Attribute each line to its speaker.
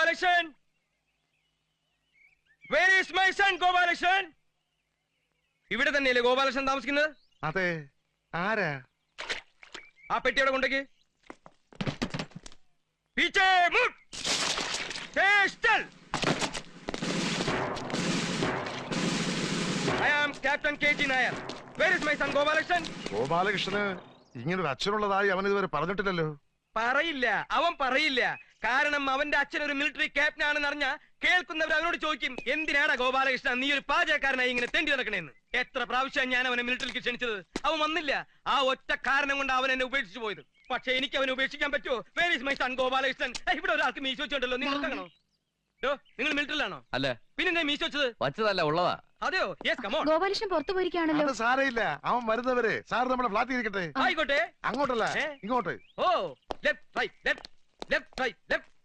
Speaker 1: Gopalakrishnan, where is my son Gopalakrishnan? ഇവിടെ തന്നെയല്ലേ ഗോപാലകൃഷ്ണൻ താമസിക്കുന്നത്?
Speaker 2: അതെ. ആരാ?
Speaker 1: ആ പെട്ടിയോടെ കൊണ്ടേക്ക്. പീച്ചേ മുട്ട്. സ്റ്റൽ. I am Captain KT Nair. Where is my son Gopalakrishnan?
Speaker 2: ഗോപാലകൃഷ്ണന് ഇങ്ങനൊരു അച്ഛനുള്ളതായി അവൻ ഇതുവരെ പറഞ്ഞിട്ടില്ലല്ലോ.
Speaker 1: പറയില്ല, അവൻ പറയില്ല. കാരണം അവന്റെ അച്ഛൻ ഒരു മിലിറ്ററി ക്യാപ്റ്റൻ ആണെന്ന് അറിഞ്ഞ കേൾക്കുന്നവർ അവനോട് ചോദിക്കും, എന്തിനാടാ ഗോപാലകൃഷ്ണൻ നീ ഒരു പാചകക്കാരനായി ഇങ്ങനെ തെണ്ടി നടക്കണേന്ന്. എത്ര പ്രാവശ്യം ഞാൻ അവനെ മിലിറ്ററിക്ക് ക്ഷണിച്ചത്, അവൻ വന്നില്ല. ആ ഒറ്റ കാരണം കൊണ്ട് അവൻ എന്നെ ഉപേക്ഷിച്ചു പോയത്. പക്ഷെ എനിക്ക് അവനെ ഉപേക്ഷിക്കാൻ പറ്റുമോ? Where is my son Gopalakrishnan? ഇവിടെ ഒരാൾക്ക് മീശ വെച്ചോണ്ടല്ലോ, നിങ്ങൾ കാണോ? നിങ്ങൾ മിലിറ്ററിലാണോ?
Speaker 3: അല്ല.
Speaker 1: പിന്നെ മീശ വെച്ചത്?
Speaker 3: വച്ചതല്ല, ഉള്ളതാ.
Speaker 1: അതെയോ? Yes, come on.
Speaker 4: ഗോപാലകൃഷ്ണൻ പുറത്തു പോയിരിക്കുകയാണല്ലോ.
Speaker 2: അത് സാരയില്ല, അവൻ വരുന്നവരെ സാർ നമ്മുടെ ഫ്ലാറ്റിൽ ഇരിക്കട്ടെ.
Speaker 1: ആയിക്കോട്ടെ.
Speaker 2: അങ്ങോട്ടല്ല, ഇങ്ങോട്ട്.
Speaker 1: ഓ, left right left left right left